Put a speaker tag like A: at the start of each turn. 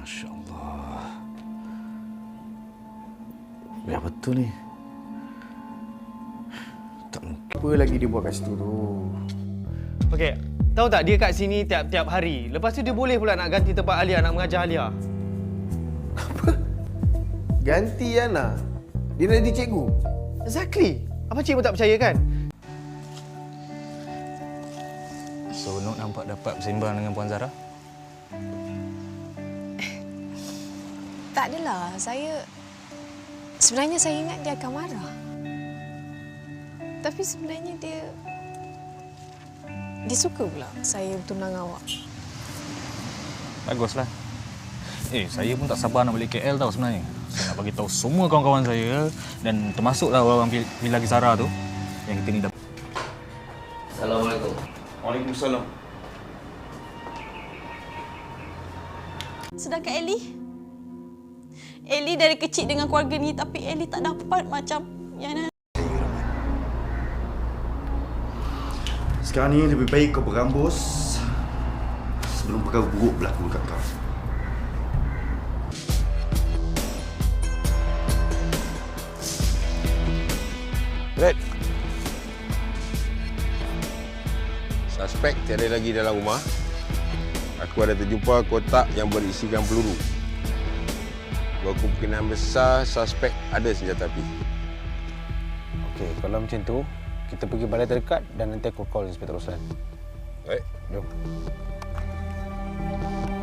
A: Masya Allah. Ya betul ni. Tak mungkin.
B: Apa lagi dia buat kat situ tu?
C: Okey, tahu tak dia kat sini tiap-tiap hari. Lepas tu dia boleh pula nak ganti tempat Alia, nak mengajar Alia.
B: Ganti Ana. Dia nak jadi cikgu.
C: Exactly. Apa cik pun tak percaya kan?
D: So, Nok nampak dapat bersembang dengan Puan Zara?
E: Tak adalah. Sebenarnya saya ingat dia akan marah. Tapi sebenarnya dia suka pula saya bertunang awak.
D: Baguslah. Saya pun tak sabar nak balik KL tau sebenarnya. Saya nak bagi tahu semua kawan-kawan saya dan termasuklah orang Villa Zara tu yang kita ni dapat.
F: Assalamualaikum.
A: Waalaikumsalam.
G: Sedangkan Ellie dari kecil dengan keluarga ni, tapi Ellie tak dapat macam Yana.
A: Sekarang ni lebih baik kau berambus sebelum perkara buruk berlaku dekat kau.
H: Red. Suspek tiada lagi dalam rumah. Aku ada terjumpa kotak yang berisikan peluru. Berkemungkinan besar suspek ada senjata api.
I: Okey, kalau macam tu, kita pergi balai terdekat dan nanti aku call Inspektor Roslan.
H: Baik.
I: Jom.